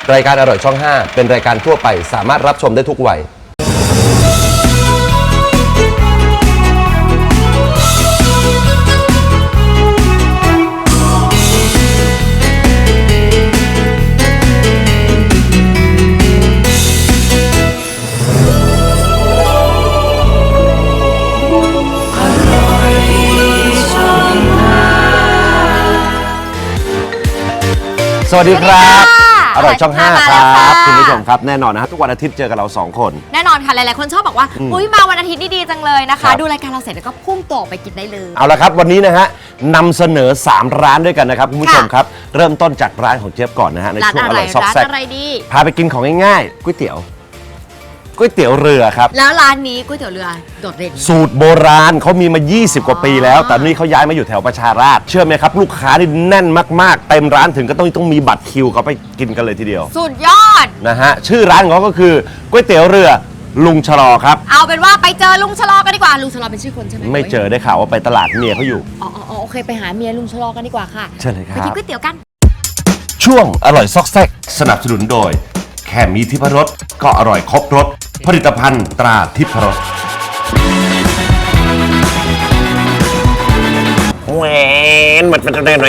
รายการอร่อยช่อง 5 เป็นรายการทั่วไปสามารถรับชมได้ทุกวัยสวัสดีครับอร่อยช่อง 5 ครับคุณผู้ชมครับแน่นอนนะฮะทุกวันอาทิตย์เจอกับเรา2 คนแน่นอนค่ะหลายๆคนชอบบอกว่าอุ้ยมาวันอาทิตย์นี่ดีจังเลยนะคะดูรายการเราเสร็จแล้วก็พุ่งตัวออกไปกินได้เลยเอาละครับวันนี้นะฮะนำเสนอ3ร้านด้วยกันนะครับคุณผู้ชมครับเริ่มต้นจากร้านของเจี๊ยบก่อนนะฮะในช่วงอร่อยซอกแซกพาไปกินของง่ายๆก๋วยเตี๋ยวเรือครับแล้วร้านนี้ก๋วยเตี๋ยวเรือโดดเด่นสูตรโบราณเขามีมา20กว่าปีแล้วแต่นี่เขาย้ายมาอยู่แถวประชาราษฎร์เชื่อไหมครับลูกค้านี่แน่นมากๆเต็มร้านถึงก็ต้องมีบัตรคิวเขาไปกินกันเลยทีเดียวสุดยอดนะฮะชื่อร้านของเขาก็คือก๋วยเตี๋ยวเรือลุงชะลอครับเอาเป็นว่าไปเจอลุงชะลอกันดีกว่าลุงชะลอเป็นชื่อคนใช่ไหมไม่เจอได้ข่าวว่าไปตลาดเมียเขาอยู่อ๋อโอเคไปหาเมียลุงชะลอกันดีกว่าค่ะเชิญเลยครับไปกินก๋วยเตี๋ยวกันช่วงอร่อยซอกแซกสนับสนุนโดยแค่มีทิพรสก็อร่อยครบรสผลิตภัณฑ์ตราทิพรสแหวนมันขี่มอเตอร์ไซค์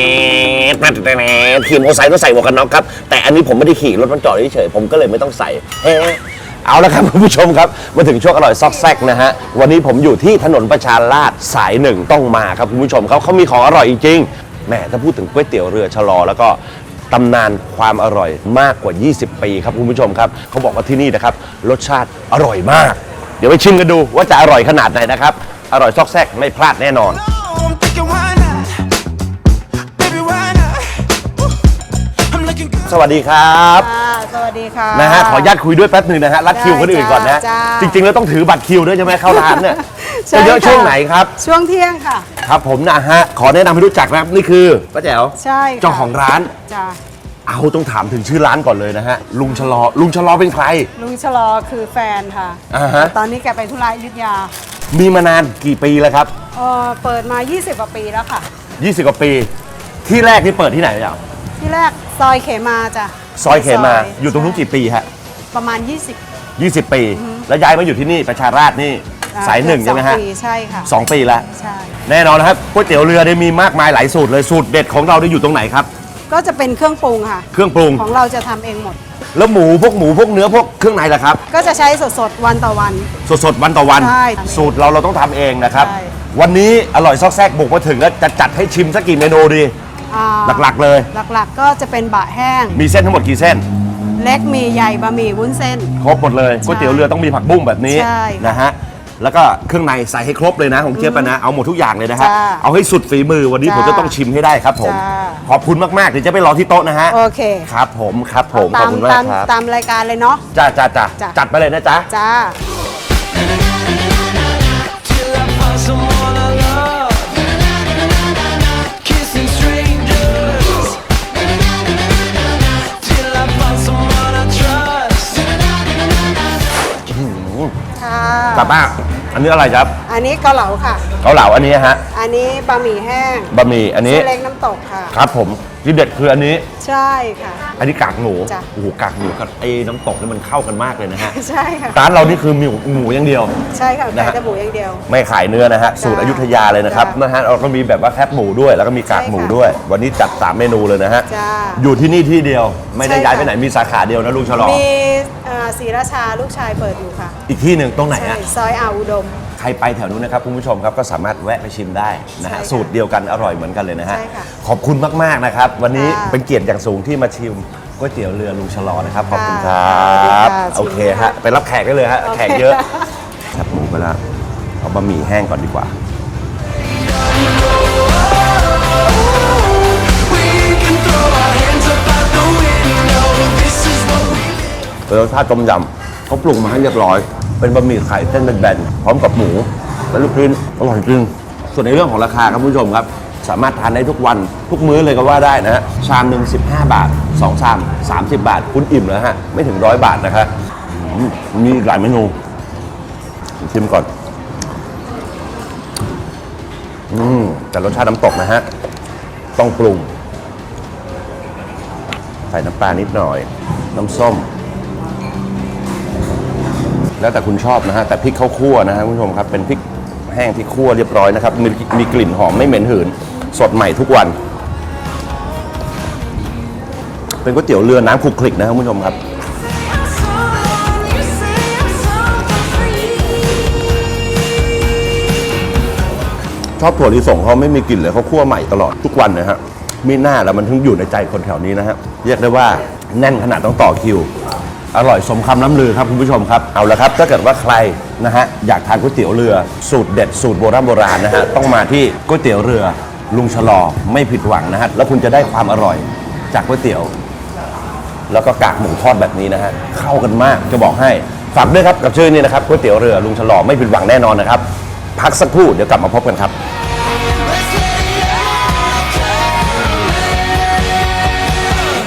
ต้องใส่หมวกกันน็อกครับแต่อันนี้ผมไม่ได้ขี่รถมันจอดเฉยๆผมก็เลยไม่ต้องใส่เอาละครับคุณผู้ชมครับมาถึงช่วงอร่อยซอกแซกนะฮะวันนี้ผมอยู่ที่ถนนประชาราษฎร์สาย1ต้องมาครับคุณผู้ชมเขามีของอร่อยจริงๆแหมถ้าพูดถึงก๋วยเตี๋ยวเรือชะลอแล้วก็ตำนานความอร่อยมากกว่า20ปีครับคุณผู้ชมครับเขาบอกว่าที่นี่นะครับรสชาติอร่อยมากเดี๋ยวไปชิมกันดูว่าจะอร่อยขนาดไหนนะครับอร่อยซอกแซกไม่พลาดแน่นอนสวัสดีครับสวัสดีค่ะนะฮะขออนุญาตคุยด้วยแป๊บนึงนะฮะรัดคิวคนอื่นก่อนนะจริงๆแล้วต้องถือบัตรคิวด้วยใช่ไหมเข้าร้านเนี่ยจะเยอะช่วงไหนครับช่วงเที่ยงค่ะครับผมนะฮะขอแนะนำให้รู้จักนะครับนี่คือป้าแจ๋วใช่เจ้าของร้านจ้าเอาต้องถามถึงชื่อร้านก่อนเลยนะฮะลุงชะลอเป็นใครลุงชะลอคือแฟนค่ะตอนนี้แกไปธุระอยุธยามีมานานกี่ปีแล้วครับเปิดมา20กว่าปีแล้วค่ะ 20กว่าปีที่แรกที่เปิดที่ไหนอ่ะที่แรกซอยเขมาจ้ะซอยเขมาอยู่ตรงนู้นกี่ปีฮะประมาณ20 ปีแล้วย้ายมาอยู่ที่นี่ประชาราษฎร์นี่สาย1ใช่ไหมฮะใช่ค่ะ 2 ปีแล้วใช่แน่นอนนะครับก๋วยเตี๋ยวเรือได้มีมากมายหลายสูตรเลยสูตรเด็ดของเราได้อยู่ตรงไหนครับก็จะเป็นเครื่องปรุงค่ะเครื่องปรุงของเราจะทำเองหมดแล้วหมูพวกเนื้อพวกเครื่องในล่ะครับก็จะใช้สดวันต่อวันสดวันต่อวันใช่สูตรเราต้องทำเองนะครับวันนี้อร่อยซอกแซกบุกมาถึงแล้วจะจัดให้ชิมสักกี่เมนูดีหลักๆเลยหลักๆก็จะเป็นบะแห้งมีเส้นทั้งหมดกี่เส้นเล็กมีใหญ่บะหมี่วุ้นเส้นครบหมดเลยก๋วยเตี๋ยวเรือต้องมีผักบุ้งแบบนี้นะฮะแล้วก็เครื่องในใส่ให้ครบเลยนะของเจี๊ยบนะเอาหมดทุกอย่างเลยนะฮะเอาให้สุดฝีมือวันนี้ผมจะต้องชิมให้ได้ครับผมขอบคุณมากๆเดี๋ยวจะไปรอที่โต๊ะนะฮะโอเคครับผมขอบคุณมากครับตามรายการเลยเนาะจ้าจัดไปเลยนะจ๊ะจ้ากลับบ้านอันนี้อะไรครับอันนี้เกาเหลาค่ะเกาเหลาอันนี้ฮะอันนี้บะหมี่แห้งบะหมี่อันนี้เล็กน้ำตกค่ะครับผมที่เด็ดคืออันนี้ใช่ค่ะอันนี้กากหมูโอ้โหกากหมูกับไอ้น้ำตกนี่มันเข้ากันมากเลยนะฮะใช่ค่ะร้านเรานี่คือหมูอย่างเดียวใช่ค่ะขายแต่หมูอย่างเดียวไม่ขายเนื้อนะฮะสูตรอยุธยาเลยนะครับนะฮะเราก็มีแบบว่าแคบหมูด้วยแล้วก็มีกากหมูด้วยวันนี้จัด3เมนูเลยนะฮะอยู่ที่นี่ที่เดียวไม่ได้ย้ายไปไหนมีสาขาเดียวนะลุงฉลองมีศรีราชาลูกชายเปิดอยู่ค่ะอีกที่หนึ่งตรงไหนฮะซอยอุดมใครไปแถวนู้นนะครับคุณผู้ชมครับก็สามารถแวะไปชิมได้นะฮะสูตรเดียวกันอร่อยเหมือนกันเลยนะฮะขอบคุณมากๆนะครับวันนี้เป็นเกียรติอย่างสูงที่มาชิมก๋วยเตี๋ยวเรือลุงชะลอนะครับขอบคุณครับโอเคฮะไปรับแขกได้เลยฮะแขกเยอะแคบหมูไปแล้วเอาบะหมี่แห้งก่อนดีกว่ารสชาติต้มยำเขาปรุงมาให้เรียบร้อยเป็นบะหมี่ไข่เส้นแบนๆพร้อมกับหมูและลูกชิ้นอร่อยจริงส่วนในเรื่องของราคาครับคุณผู้ชมครับสามารถทานได้ทุกวันทุกมื้อเลยก็ว่าได้นะฮะชามหนึ่ง15 บาท2ชาม30 บาทคุณอิ่มแล้วฮะไม่ถึง100 บาทนะครับมีหลายเมนูชิมก่อนแต่รสชาติน้ำตกนะฮะต้องปรุงใส่น้ำปลานิดหน่อย น้ำส้ม แล้วแต่คุณชอบนะฮะแต่พริกข้าวคั่วนะฮะคุณผู้ชมครับเป็นพริกแห้งที่คั่วเรียบร้อยนะครับมีกลิ่นหอมไม่เหม็นหืนสดใหม่ทุกวัน เป็นก๋วยเตี๋ยวเรือน้ำคลุกคลิกนะครับคุณผู้ชมครับชอบถั่วลิสงเขาไม่มีกลิ่นเลยเขาคั่วใหม่ตลอดทุกวันนะฮะมีหน้าแล้วมันถึงอยู่ในใจคนแถวนี้นะฮะเรียกได้ว่าแน่นขนาดต้องต่อคิวอร่อยสมคำล้ำลือครับคุณผู้ชมครับเอาละครับถ้าเกิดว่าใครนะฮะอยากทานก๋วยเตี๋ยวเรือสูตรเด็ดสูตรโบราณนะฮะต้องมาที่ก๋วยเตี๋ยวเรือลุงชะลอไม่ผิดหวังนะฮะแล้วคุณจะได้ความอร่อยจากก๋วยเตี๋ยวแล้วก็กากหมูทอดแบบนี้นะฮะเข้ากันมากจะบอกให้ฝากด้วยครับกับชื่อนี้นะครับก๋วยเตี๋ยวเรือลุงชะลอไม่ผิดหวังแน่นอนนะครับพักสักครู่เดี๋ยวกลับมาพบกันครับ